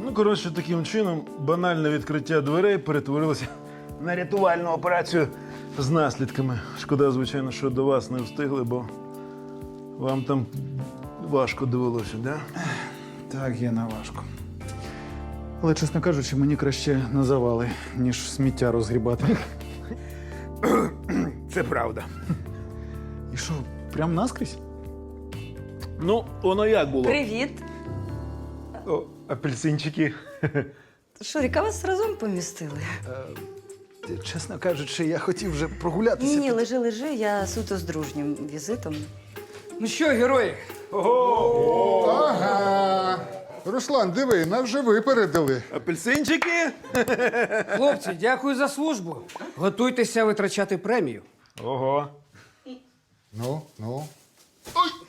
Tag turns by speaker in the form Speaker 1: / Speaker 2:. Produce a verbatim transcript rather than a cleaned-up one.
Speaker 1: Ну, коротше, таким чином банальне відкриття дверей перетворилося на рятувальну операцію з наслідками. Шкода, звичайно, що до вас не встигли, бо вам там важко довелося, да?
Speaker 2: Так, Гена, важко. Але, чесно кажучи, мені краще на завали, ніж сміття розгрібати.
Speaker 1: Це правда.
Speaker 2: І що, прям наскрізь?
Speaker 1: Ну, воно як було?
Speaker 3: Привіт.
Speaker 1: О, апельсинчики.
Speaker 3: Шуріка, вас разом помістили?
Speaker 2: Чесно кажучи, я хотів вже прогулятися.
Speaker 3: Ні, ні, лежи, лежи, я суто з дружнім візитом.
Speaker 4: Ну що, герої?
Speaker 5: Ага. Руслан, диви, нас вже випередили.
Speaker 1: Апельсинчики?
Speaker 4: Хлопці, дякую за службу. Готуйтеся витрачати премію.
Speaker 1: Ого.
Speaker 5: Ну, ну. Ой!